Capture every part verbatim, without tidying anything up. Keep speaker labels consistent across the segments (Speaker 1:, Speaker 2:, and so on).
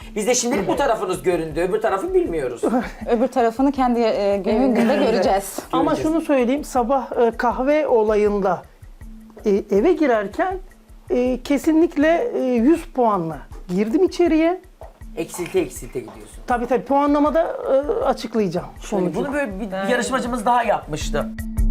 Speaker 1: Biz de şimdilik bu tarafınız göründü, öbür tarafı bilmiyoruz.
Speaker 2: Öbür tarafını kendi e, günün gününde göreceğiz.
Speaker 3: Ama
Speaker 1: Göreceğiz.
Speaker 3: şunu söyleyeyim, sabah e, kahve olayında e, eve girerken e, kesinlikle e, yüz puanla girdim içeriye.
Speaker 1: Eksilte eksilte gidiyorsun.
Speaker 3: Tabii tabii puanlamada e, açıklayacağım sonucu.
Speaker 1: Bunu böyle bir yarışmacımız daha yapmıştı.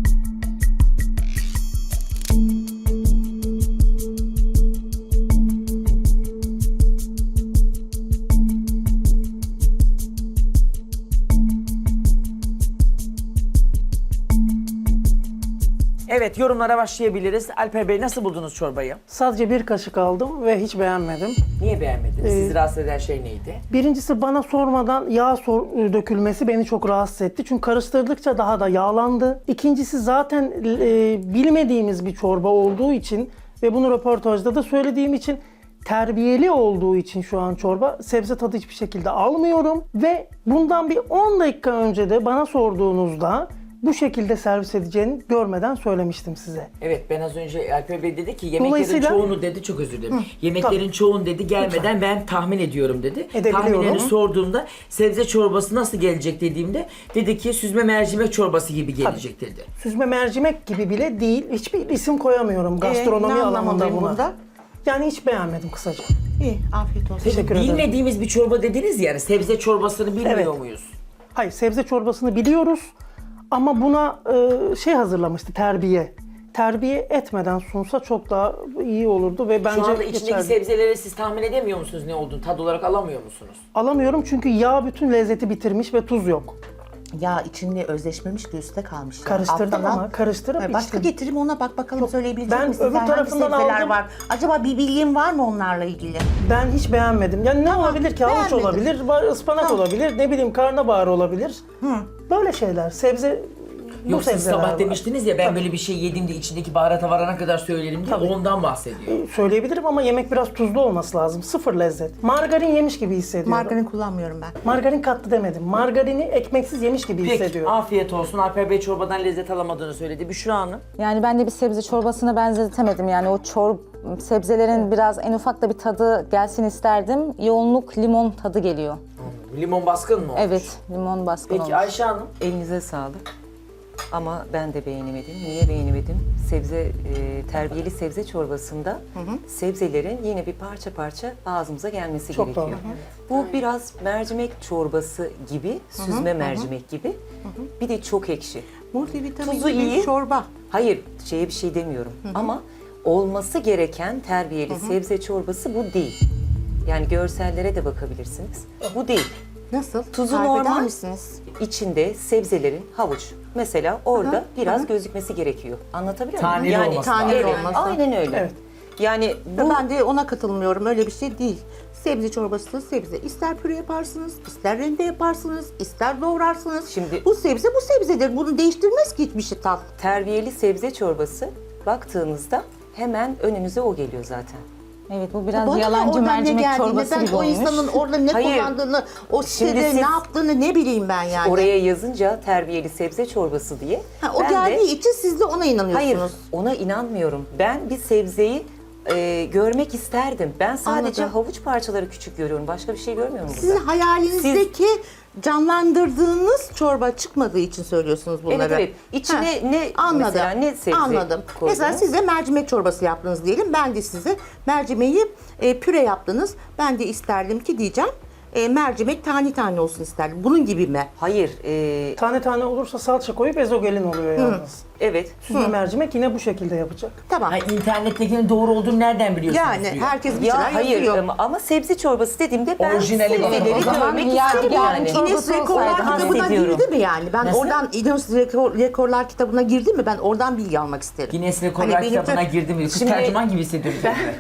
Speaker 1: Evet, yorumlara başlayabiliriz. Alper Bey, nasıl buldunuz çorbayı?
Speaker 3: Sadece bir kaşık aldım ve hiç beğenmedim.
Speaker 1: Niye beğenmediniz? Sizi rahatsız eden şey neydi?
Speaker 3: Birincisi bana sormadan yağ sor- dökülmesi beni çok rahatsız etti. Çünkü karıştırdıkça daha da yağlandı. İkincisi zaten e, bilmediğimiz bir çorba olduğu için ve bunu röportajda da söylediğim için terbiyeli olduğu için şu an çorba sebze tadı hiçbir şekilde almıyorum. Ve bundan bir on dakika önce de bana sorduğunuzda bu şekilde servis edeceğini görmeden söylemiştim size.
Speaker 1: Evet, ben az önce Alper Bey dedi ki yemeklerin
Speaker 3: Dolayısıyla-
Speaker 1: çoğunu dedi, çok özür dilerim. Yemeklerin çoğunu dedi gelmeden ben tahmin ediyorum dedi.
Speaker 3: Edebiliyorum.
Speaker 1: Tahminlerini sorduğumda sebze çorbası nasıl gelecek dediğimde dedi ki süzme mercimek çorbası gibi gelecek dedi.
Speaker 3: Süzme mercimek gibi bile değil. Hiçbir isim koyamıyorum gastronomi
Speaker 4: ne
Speaker 3: alanında
Speaker 4: anlamalıyım
Speaker 3: buna.
Speaker 4: bunda?
Speaker 3: Yani hiç beğenmedim kısaca.
Speaker 4: İyi, afiyet olsun.
Speaker 1: Peki
Speaker 3: Teşekkür ederim.
Speaker 1: bilmediğimiz bir çorba dediniz yani sebze çorbasını bilmiyor
Speaker 3: Evet.
Speaker 1: muyuz?
Speaker 3: Hayır, sebze çorbasını biliyoruz ama buna e, şey hazırlamıştı, terbiye. Terbiye etmeden sunsa çok daha iyi olurdu ve bence
Speaker 1: Şu anda içindeki
Speaker 3: geçerli.
Speaker 1: sebzeleri siz tahmin edemiyor musunuz ne olduğunu? Tad olarak alamıyor musunuz?
Speaker 3: Alamıyorum çünkü yağ bütün lezzeti bitirmiş ve tuz yok.
Speaker 4: Ya içinde özleşmemiş ki üstte kalmış. ya.
Speaker 3: Karıştırdım
Speaker 4: Alttan
Speaker 3: ama,
Speaker 4: al.
Speaker 3: karıştırıp
Speaker 4: Hayır, Başka
Speaker 3: içtim.
Speaker 4: getireyim ona bak bakalım söyleyebilecek
Speaker 3: ben
Speaker 4: misin?
Speaker 3: öbür
Speaker 4: Hangi
Speaker 3: tarafından
Speaker 4: sebzeler
Speaker 3: aldım.
Speaker 4: var? Acaba bir bilgin var mı onlarla ilgili?
Speaker 3: Ben hiç beğenmedim. Yani ne olabilir ki? Havuç
Speaker 4: beğenmedim.
Speaker 3: olabilir, ba- ıspanak olabilir, ne bileyim karnabahar olabilir. Böyle şeyler. Sebze bu
Speaker 1: Yok siz
Speaker 3: sebzeler
Speaker 1: sabah
Speaker 3: var.
Speaker 1: demiştiniz ya ben böyle bir şey yediğimde içindeki baharata varana kadar söylerim diye ondan bahsediyor.
Speaker 3: Söyleyebilirim ama yemek biraz tuzlu olması lazım. Sıfır lezzet. Margarin yemiş gibi hissediyorum.
Speaker 4: Margarin kullanmıyorum ben.
Speaker 3: Margarin kattı demedim. Margarini ekmeksiz yemiş gibi
Speaker 1: Peki
Speaker 3: hissediyorum.
Speaker 1: afiyet olsun. Alper Bey çorbadan lezzet alamadığını söyledi. Büşra Hanım.
Speaker 2: Yani ben de bir sebze çorbasına benzetemedim. Yani o çor sebzelerin biraz en ufak da bir tadı gelsin isterdim. Yoğunluk limon tadı geliyor.
Speaker 1: Limon baskın mı olmuş?
Speaker 2: Evet, limon baskın
Speaker 1: Peki
Speaker 2: olmuş.
Speaker 1: Ayşe Hanım.
Speaker 5: Elinize sağlık. Ama ben de beğenemedim. Niye beğenemedim? Sebze, e, terbiyeli sebze çorbasında sebzelerin yine bir parça parça ağzımıza gelmesi
Speaker 3: Çok
Speaker 5: gerekiyor.
Speaker 3: doğru.
Speaker 5: Bu biraz mercimek çorbası gibi, süzme mercimek gibi. Bir de çok ekşi.
Speaker 4: Multivitaminli
Speaker 5: Tuzu
Speaker 4: bir
Speaker 5: iyi.
Speaker 4: çorba.
Speaker 5: Hayır, şeye bir şey demiyorum. Ama olması gereken terbiyeli sebze çorbası bu değil. Yani görsellere de bakabilirsiniz. Bu değil.
Speaker 4: Nasıl?
Speaker 5: Tuzu
Speaker 4: Tarif eder
Speaker 5: normal.
Speaker 4: misiniz?
Speaker 5: İçinde sebzelerin havuç. Mesela orada biraz gözükmesi gerekiyor. Anlatabiliyor muyum?
Speaker 1: Taneli
Speaker 5: yani,
Speaker 1: olması
Speaker 4: lazım.
Speaker 5: evet,
Speaker 4: olması.
Speaker 5: aynen öyle.
Speaker 3: Evet.
Speaker 5: Yani
Speaker 4: Bu...
Speaker 5: bu
Speaker 4: Ben de ona katılmıyorum. Öyle bir şey değil. Sebze çorbası sebze. İster püre yaparsınız, ister rende yaparsınız, ister doğrarsınız.
Speaker 5: Şimdi-
Speaker 4: bu sebze bu sebzedir. Bunu değiştirmez ki hiçbir şey tat.
Speaker 5: terbiyeli sebze çorbası baktığınızda hemen önünüze o geliyor zaten.
Speaker 2: Evet, bu biraz
Speaker 4: Bana ne
Speaker 2: yalancı
Speaker 4: oradan ne
Speaker 2: mercimek
Speaker 4: geldiğini,
Speaker 2: çorbası
Speaker 4: ben
Speaker 2: gibi
Speaker 4: o
Speaker 2: olmuş.
Speaker 4: insanın orada ne
Speaker 5: Hayır.
Speaker 4: kullandığını, o
Speaker 5: Şimdi
Speaker 4: sitede
Speaker 5: siz
Speaker 4: ne yaptığını ne bileyim ben yani.
Speaker 5: Oraya yazınca terbiyeli sebze çorbası diye.
Speaker 4: Ha, o
Speaker 5: ben de-
Speaker 4: geldiği için siz de ona inanıyorsunuz.
Speaker 5: Hayır, ona inanmıyorum. Ben bir sebzeyi e, görmek isterdim. Ben sadece
Speaker 4: Anladım.
Speaker 5: havuç parçaları küçük görüyorum. Başka bir şey görmüyorum burada.
Speaker 4: Sizin hayalinizdeki canlandırdığınız çorba çıkmadığı için söylüyorsunuz bunları.
Speaker 5: Evet, evet. İçine ne
Speaker 4: Anladım.
Speaker 5: mesela ne sebze
Speaker 4: Anladım.
Speaker 5: koydunuz?
Speaker 4: Mesela siz de mercimek çorbası yaptınız diyelim. Ben de size mercimeği e, püre yaptınız. Ben de isterdim ki diyeceğim e, mercimek tane tane olsun isterdim. Bunun gibi mi?
Speaker 5: Hayır, e,
Speaker 3: Tane tane olursa salça koyup ezogelin oluyor yalnız.
Speaker 5: evet.
Speaker 3: Süzme mercimek yine bu şekilde yapacak.
Speaker 4: Tamam.
Speaker 1: Ha, internettekinin doğru olduğunu nereden biliyorsunuz
Speaker 4: Yani
Speaker 1: diyor.
Speaker 4: herkes bir şeyler
Speaker 5: Ya hayır
Speaker 4: yazıyor.
Speaker 5: ama, ama sebze çorbası dediğimde ben
Speaker 1: Orijinali var.
Speaker 5: sebzeleri
Speaker 2: O zaman
Speaker 5: görmek
Speaker 2: ya-
Speaker 5: isterim
Speaker 2: yani
Speaker 5: yani.
Speaker 2: çok-
Speaker 4: Guinness
Speaker 2: Çorbası
Speaker 4: Rekorlar
Speaker 2: olsaydı
Speaker 4: kitabına
Speaker 5: hissediyorum.
Speaker 4: girdi mi yani? Ben
Speaker 1: Nasıl?
Speaker 4: oradan Guinness Rekor- Rekorlar kitabına girdi mi? Ben oradan bilgi almak isterim.
Speaker 1: Guinness Rekorlar
Speaker 4: Hani benim
Speaker 1: kitabına
Speaker 4: de-
Speaker 1: girdim. Kız
Speaker 5: Şimdi-
Speaker 1: tercüman gibi hissediyorum kendimi.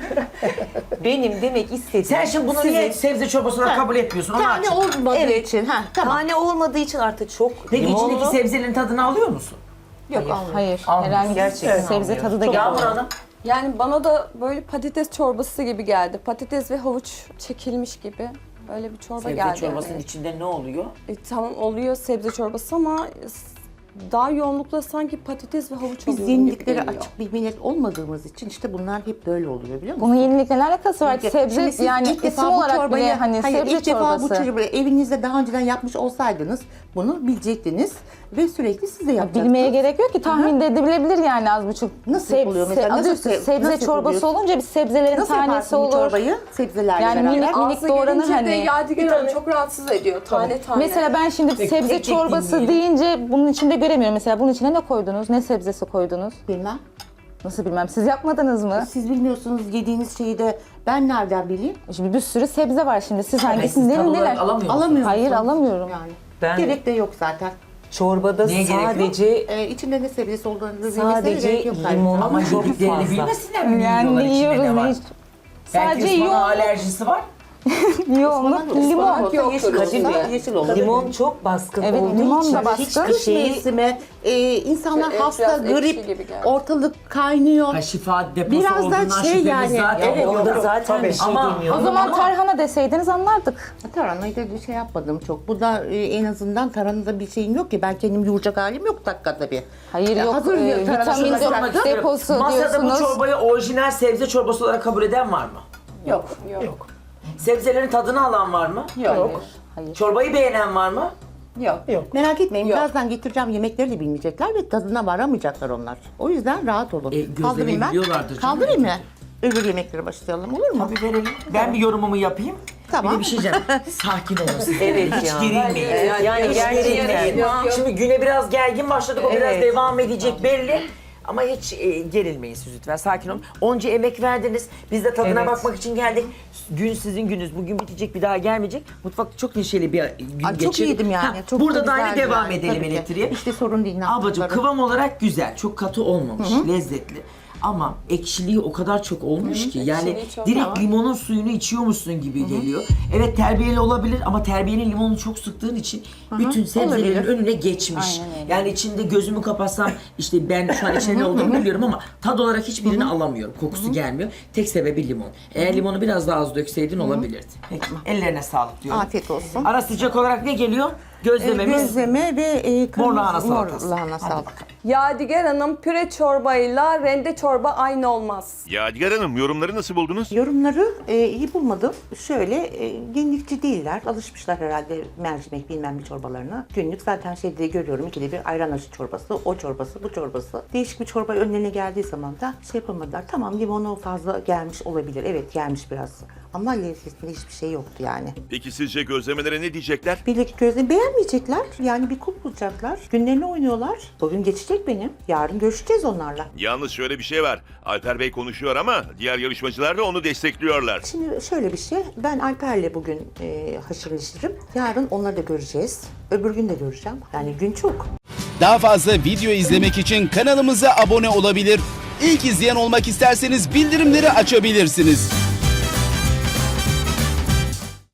Speaker 5: Benim demek istediğim...
Speaker 1: Sen şimdi bunu
Speaker 5: sizin-
Speaker 1: niye sebze çorbası olarak kabul etmiyorsun? Onu
Speaker 4: Tane
Speaker 1: açık.
Speaker 4: olmadığı
Speaker 5: Evet.
Speaker 4: için. Ha, tamam.
Speaker 5: Tane olmadığı için artık çok
Speaker 1: Peki
Speaker 5: limonlu.
Speaker 1: içindeki sebzelerin tadını alıyor musun?
Speaker 4: Yok almıyorum.
Speaker 2: Hayır,
Speaker 1: Almıyoruz.
Speaker 2: herhangi bir
Speaker 5: Gerçekten
Speaker 2: sebze
Speaker 5: almıyoruz.
Speaker 2: tadı da
Speaker 1: Yağmur
Speaker 2: gelmiyor.
Speaker 1: Hanım.
Speaker 6: Yani bana da böyle patates çorbası gibi geldi. Patates ve havuç çekilmiş gibi. Öyle bir çorba
Speaker 1: Sebze
Speaker 6: geldi.
Speaker 1: çorbasının
Speaker 6: yani.
Speaker 1: içinde ne oluyor?
Speaker 6: E, tamam oluyor sebze çorbası ama s- daha yoğunlukla sanki patates ve havuç
Speaker 4: Biz
Speaker 6: alıyorum gibi
Speaker 4: yeniliklere
Speaker 6: geliyor.
Speaker 4: açık bir millet olmadığımız için işte bunlar hep böyle oluyor biliyor musun?
Speaker 2: Bunun yenilikle ne alakası var?
Speaker 4: Çünkü
Speaker 2: Sebze
Speaker 4: şimdi siz
Speaker 2: yani
Speaker 4: ilk
Speaker 2: isim
Speaker 4: defa bu
Speaker 2: olarak
Speaker 4: çorbayı-
Speaker 2: bile hani
Speaker 4: hayır,
Speaker 2: sebze
Speaker 4: ilk defa bu
Speaker 2: çorbası.
Speaker 4: çorbayı evinizde daha önceden yapmış olsaydınız bunu bilecektiniz ve sürekli siz de yapacaktınız.
Speaker 2: Bilmeye gerek yok ki, tahmin de edilebilir yani az buçuk.
Speaker 4: Nasıl oluyor mesela?
Speaker 2: adı
Speaker 4: Nasıl
Speaker 2: üstü
Speaker 4: se-
Speaker 2: sebze
Speaker 4: nasıl
Speaker 2: çorbası
Speaker 4: yapıyorsun?
Speaker 2: olunca bir sebzelerin
Speaker 4: Nasıl
Speaker 2: tanesi
Speaker 4: yaparsın bu
Speaker 2: olur.
Speaker 4: çorbayı sebzelerle
Speaker 2: Yani
Speaker 4: beraber?
Speaker 2: minik minik
Speaker 6: Ağza
Speaker 2: doğranır
Speaker 6: gelince de
Speaker 2: hani.
Speaker 6: Yadigar Hanım çok rahatsız ediyor tane tane.
Speaker 2: Mesela ben şimdi
Speaker 1: Peki,
Speaker 2: sebze
Speaker 1: tek tek
Speaker 2: çorbası
Speaker 1: dinleyelim.
Speaker 2: deyince bunun içinde göremiyorum. Mesela bunun içine ne koydunuz? Ne sebzesi koydunuz?
Speaker 4: Bilmem.
Speaker 2: Nasıl bilmem. Siz yapmadınız mı?
Speaker 4: Siz bilmiyorsunuz yediğiniz şeyi de ben nereden bileyim?
Speaker 2: Şimdi bir sürü sebze var şimdi. Siz
Speaker 1: Siz
Speaker 2: hangisini
Speaker 1: tad
Speaker 2: derin
Speaker 1: olarak
Speaker 2: neler?
Speaker 1: alamıyor musunuz?
Speaker 4: Alamıyor
Speaker 2: Hayır,
Speaker 4: musunuz?
Speaker 2: alamıyorum.
Speaker 4: Yani.
Speaker 5: Ben-
Speaker 4: Gerek de yok zaten.
Speaker 5: Çorbada
Speaker 1: Neye gerek yok?
Speaker 5: sadece
Speaker 4: Ee, içinde ne sebzesi olduğunu bilmesine
Speaker 5: sadece
Speaker 4: gerek yok zaten.
Speaker 5: limon
Speaker 1: Ama
Speaker 5: çok
Speaker 1: yediklerini
Speaker 5: fazla.
Speaker 1: bilmesinler mi?
Speaker 2: Yani
Speaker 1: Yiyorlar, içinde
Speaker 2: yiyoruz
Speaker 1: ne var?
Speaker 2: ne hiç.
Speaker 1: Belki
Speaker 2: Sadece
Speaker 1: ıspanağa
Speaker 2: yoğun,
Speaker 1: alerjisi var.
Speaker 2: yoğunluk
Speaker 4: Ispanak
Speaker 2: limon.
Speaker 4: olsa
Speaker 6: yok,
Speaker 4: yeşil
Speaker 6: Kadir
Speaker 4: olsa
Speaker 5: Bey,
Speaker 4: yeşil olur.
Speaker 5: limon çok baskın
Speaker 2: Evet,
Speaker 5: olduğu
Speaker 2: limon da
Speaker 5: için
Speaker 2: baskın.
Speaker 5: hiçbir
Speaker 4: Kış
Speaker 5: şeyi
Speaker 4: mevsimi, e, insanlar
Speaker 6: Evet,
Speaker 4: hasta,
Speaker 6: biraz ekşi
Speaker 4: grip,
Speaker 6: gibi geldi.
Speaker 4: ortalık kaynıyor.
Speaker 1: Ha, şifa deposu
Speaker 4: Biraz da
Speaker 1: olduğundan
Speaker 4: şey
Speaker 1: şüphemiz
Speaker 4: yani,
Speaker 1: zaten
Speaker 4: evet,
Speaker 1: yok.
Speaker 5: orada
Speaker 3: yok,
Speaker 5: zaten
Speaker 3: tabii.
Speaker 5: bir şey
Speaker 1: Ama-
Speaker 5: demiyor.
Speaker 2: O zaman
Speaker 1: Ama-
Speaker 2: tarhana deseydiniz anlardık.
Speaker 4: Taranayı da bir şey yapmadım çok. Bu da e, en azından taranada bir şeyim yok ki. Ben kendim yoğuracak halim yok dakikada bir.
Speaker 2: Hayır
Speaker 4: Ya
Speaker 2: yok,
Speaker 4: hazır
Speaker 2: e,
Speaker 4: tarhana
Speaker 2: vitamin
Speaker 4: şurada
Speaker 2: de-
Speaker 4: bıraktım.
Speaker 2: deposu
Speaker 1: Masada bu
Speaker 2: diyorsunuz.
Speaker 1: çorbayı orijinal sebze çorbası olarak kabul eden var mı?
Speaker 4: Yok.
Speaker 6: Yok.
Speaker 1: Sebzelerin tadını alan var mı?
Speaker 4: Yok.
Speaker 2: Hayır.
Speaker 1: Çorbayı beğenen var mı?
Speaker 6: Yok.
Speaker 3: Yok.
Speaker 4: Merak etmeyin.
Speaker 6: Yok.
Speaker 4: Birazdan getireceğim yemekleri de bilmeyecekler ve tadına varamayacaklar onlar. O yüzden rahat olun.
Speaker 1: E, gözlemeyi
Speaker 4: Kaldırayım ben.
Speaker 1: biliyorlardır canım.
Speaker 4: Kaldırayım mı? Öbür yemeklere başlayalım olur mu?
Speaker 1: Tabii verelim. Ben bir yorumumu yapayım.
Speaker 4: Tamam.
Speaker 1: Bir de bir şey diyeceğim. Sakin olun siz.
Speaker 5: Evet
Speaker 1: Hiç
Speaker 5: ya.
Speaker 1: gerilmeyin.
Speaker 5: Yani, yani
Speaker 1: Hiç
Speaker 5: gerçekten.
Speaker 1: gerilmeyin.
Speaker 6: Yok, yok.
Speaker 1: Şimdi güne biraz gergin başladık. O biraz
Speaker 5: Evet.
Speaker 1: devam edecek belli. Ama hiç e, gerilmeyin siz lütfen. Sakin olun. Onca emek verdiniz. Biz de tadına
Speaker 5: Evet.
Speaker 1: bakmak için geldik. Gün sizin gününüz. Bugün bitecek, bir daha gelmeyecek. Mutfakta çok neşeli bir gün
Speaker 4: Ay, çok
Speaker 1: geçirdik.
Speaker 4: iyiydim yani.
Speaker 1: Ha,
Speaker 4: Çok
Speaker 1: burada
Speaker 4: da
Speaker 1: da aynı
Speaker 4: güzeldi
Speaker 1: devam
Speaker 4: yani,
Speaker 1: edelim
Speaker 4: tabii ki.
Speaker 1: elektriğe.
Speaker 4: İşte sorun değil. ne
Speaker 1: Ablacığım
Speaker 4: yaptıkları.
Speaker 1: kıvam olarak güzel. Çok katı olmamış. Lezzetli. Ama ekşiliği o kadar çok olmuş ki. Yani
Speaker 6: Ekşiliği çok
Speaker 1: direkt
Speaker 6: var.
Speaker 1: limonun suyunu içiyormuşsun gibi geliyor. Evet, terbiyeli olabilir ama terbiyenin limonunu çok sıktığın için bütün sebzelerin
Speaker 4: Olabilir.
Speaker 1: önüne geçmiş.
Speaker 2: Aynen öyle.
Speaker 1: Yani içinde gözümü kapatsam işte ben şu an içinde ne olduğunu biliyorum ama tad olarak hiçbirini alamıyorum. Kokusu gelmiyor. Tek sebebi limon. Eğer limonu biraz daha az dökseydin olabilirdi. Peki. Ellerine sağlık diyorum.
Speaker 4: Afiyet olsun.
Speaker 1: Ara sıcak olarak ne geliyor?
Speaker 4: Ee,
Speaker 1: Gözlememiz.
Speaker 4: Gözleme ve e, kırmızı
Speaker 1: lahana
Speaker 4: mor
Speaker 1: salatası.
Speaker 4: lahana
Speaker 1: Hadi
Speaker 4: salatası.
Speaker 1: bakalım.
Speaker 6: Yadigar Hanım püre çorbayla rende çorba aynı olmaz.
Speaker 7: Yadigar Hanım yorumları nasıl buldunuz?
Speaker 4: Yorumları e, iyi bulmadım. Şöyle e, yenilikçi değiller. Alışmışlar herhalde mercimek bilmem bir çorbalarına. Günlük zaten şeyde görüyorum ikide bir ayran aşı çorbası, o çorbası, bu çorbası. Değişik bir çorba önlerine geldiği zaman da şey yapamadılar. Tamam limonu fazla gelmiş olabilir. Evet gelmiş biraz. Ama lezzetinde hiçbir şey yoktu yani.
Speaker 7: Peki sizce gözlemelere ne diyecekler?
Speaker 4: Birlik gözle beğenmeyecekler. Yani bir kul bulacaklar. Günlerini oynuyorlar. Bugün geçecek benim. Yarın görüşeceğiz onlarla.
Speaker 7: Yalnız şöyle bir şey var. Alper Bey konuşuyor ama diğer yarışmacılar da onu destekliyorlar.
Speaker 4: Şimdi şöyle bir şey. Ben Alper'le bugün e, haşır neşirim. Yarın onları da göreceğiz. Öbür gün de göreceğim. Yani gün çok.
Speaker 8: Daha fazla video izlemek için kanalımıza abone olabilir. İlk izleyen olmak isterseniz bildirimleri açabilirsiniz.